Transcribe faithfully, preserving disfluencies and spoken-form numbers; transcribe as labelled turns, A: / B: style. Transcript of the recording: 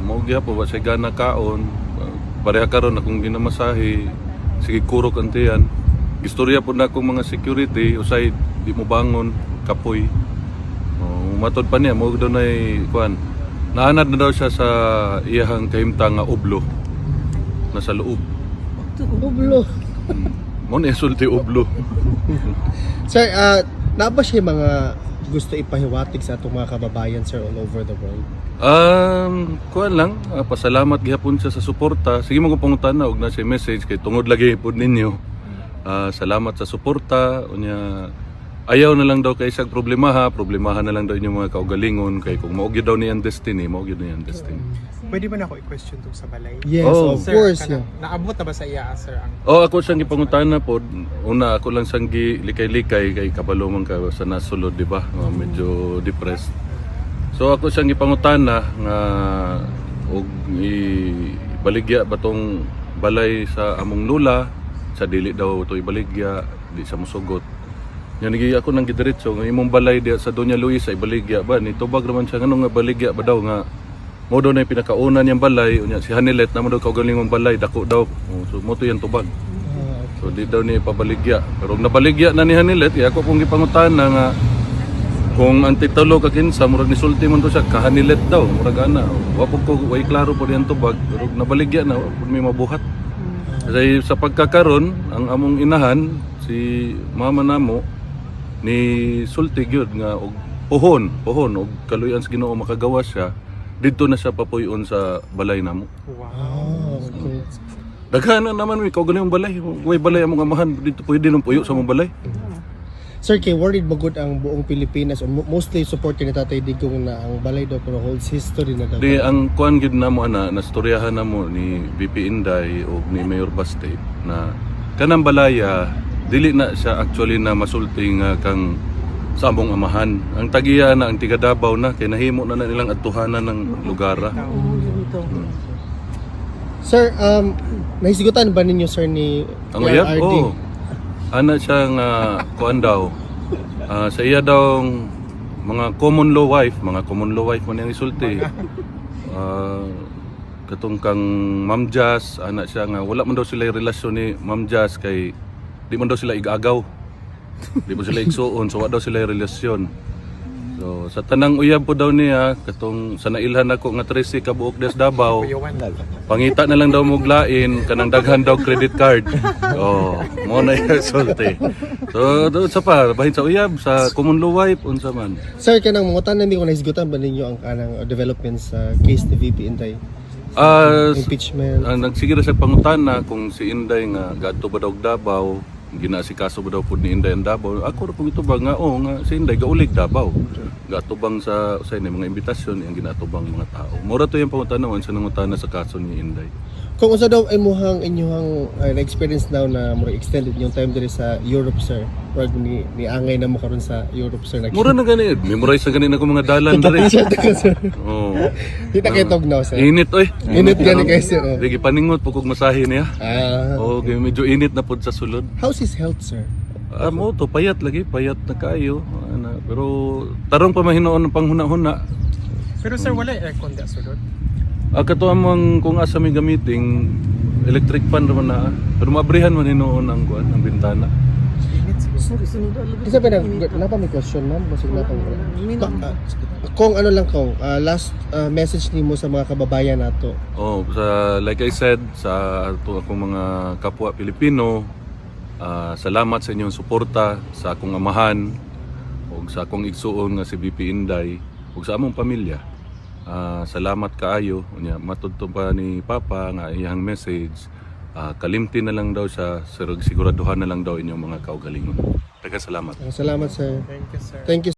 A: mao gyapon wa say gana kaon. Uh, pareha karon akong ginamasahe. Sige kurok antiyan. Istorya po na akong mga security usay di mo bangon kapoy. Oh, matod pa niya mo daw nay kuan. Naanad na daw siya sa iyahang kahimtang nga ublo. Nasa loob.
B: Ublo.
A: Mo ni sulti ublo.
B: Sir, uh, na ba siya mga gusto ipahiwatig sa atong mga kababayan, sir, all over the world?
A: Um, kuan lang, uh, pasalamat gihapon siya sa suporta. Sige mo ko pangutan na og na siya message kay tungod lagi pod ninyo. Uh, salamat sa suporta. Unya ayaw na lang daw kay isang problema ha, problemahan na lang daw inyong mga kaugalingon kay kung mao gyud daw ni ang destiny, mao gyud ni ang destiny.
C: Pwede ba na ako i-question tong sa balay?
B: Yes,
A: Oh.
B: of
C: Sir,
B: course.
C: kanang-
B: Yeah.
C: Naabot na ba sa iya, sir, ang
A: Oh, ako siyang gipangutan na pod. Una ako lang siyang gilikay-likay kay kabalo man ka sa nasulod, di ba? Uh, medyo depressed. So ako siyang gipangutan na nga og ibaligya ba tong balay sa among lula, sa dili daw to ibaligya, di sa musugot. Yan nigi ako nang gidiretso nga imong balay diya sa Doña Luisa ibaligya ba ni tubag naman siya ngano nga baligya ba daw nga mo daw na yung pinakauna niyang balay unya si Hanilet na mo daw kaugalingong balay dako daw. Oh, so mo to yan tubag. So di daw ni pabaligya. Pero nabaligya na ni Hanilet, iya ako kung gipangutan na nga kung ang titulo ka kinsa murag ni sulti man to siya ka Hanilet daw murag ana. Wa po ko way klaro po diyan tubag pero nabaligya na wa po may mabuhat. Kasi sa pagkakaron ang among inahan si mama namo ni sulti gyud nga og pohon, pohon og kaluyan sa Ginoo makagawa siya didto na siya papuyon sa balay namo.
C: wow.
B: Oh, okay.
A: Daghan na naman mi kau ganing balay, way balay among amahan dito pwede nang puyo sa among balay.
B: Sir, kay worried magud ang buong Pilipinas o mo- mostly supporter ni Tatay Digong na ang balay daw pero holds history na daw.
A: Di ang kuan gid namo ana nastoryahan namo ni B P Inday o ni Mayor Baste na kanang balaya dili na siya actually na masulti nga kang sa among amahan. Ang tagiya na ang tiga Davao na kay nahimo na, na nilang atuhanan ng lugara.
B: Sir, um, nahisigutan ba ninyo, sir, ni
A: Ang
B: P R
A: uyab
B: R D?
A: oh. Ana siya nga kuan daw. Ah, sa iya daw mga common law wife, mga common law wife man yang isulti. Ah, katong kang Ma'am Jazz, ana siya nga wala man daw sila relasyon ni Ma'am Jazz kay di man daw sila igagaw. Di mo sila igsuon, so wala daw sila relasyon. So sa tanang uyab po daw niya, katong sa nailhan ako nga tresi ka buok des Davao,
C: Kuyawan.
A: pangita na lang daw mo glain, kanang daghan daw credit card. Oh, mo na yung sulti. So doon sa pa, bahin sa uyab, sa common law wife, unsa man.
B: Sir, kanang mga tanan mi kung nahisigutan ba ninyo ang kanang uh, developments sa case ni V P Inday?
A: Ah,
B: Impeachment.
A: ang nagsiguro sa pangutana kung si Inday nga gadto ba daw og Davao, ginasikaso ba daw pud ni Inday ang Davao. Ako ra pug ito ba nga oh nga si Inday gaulig Davao. Gatubang sa sa ni mga imbitasyon ang ginatubang mga tao. Mura to yung pangutana sa nangutana sa kaso ni Inday.
B: Kung unsa daw ay muhang inyong uh, na-experience daw na more extended yung time diri sa Europe, sir. Or ni, ni angay na mo karon sa Europe, sir.
A: Mura na gani, memorize na gani na ko mga dalan diri.
B: sir.
A: Oh.
B: Kita kay tugnaw, sir.
A: Init oy.
B: Init gani kay sir. oh.
A: Digi paningot pug kog masahe niya.
B: Ah,
A: Oh, kay medyo init na pud sa sulod.
B: how's his health, sir?
A: Ah, mo to payat lagi, payat na kayo. Ana, pero tarong pa mahinoon ng panghuna-huna.
C: Pero sir, wala yung aircon di sulod.
A: Ah, kato among kung asa may gamiting electric fan naman na. Pero maabrihan man hinoon ang kuan, ang bintana.
C: Init siguro.
B: Isa pa na, napa may question, ma'am? Basig na pang Ka- ah, Kung ano lang ko, ah, last ah, message nimo sa mga kababayan nato.
A: Oh, sa like I said sa ato akong mga kapwa Pilipino, ah, salamat sa inyong suporta sa akong amahan ug sa akong igsuon nga si B P Inday ug sa among pamilya. Ah, salamat kaayo unya matudto pa ni Papa nga iyang message. Ah, kalimti na lang daw siya, siguraduhan na lang daw inyong mga kaugalingon. Daghang salamat.
B: Salamat, sir.
C: Thank you, sir.
B: Thank you.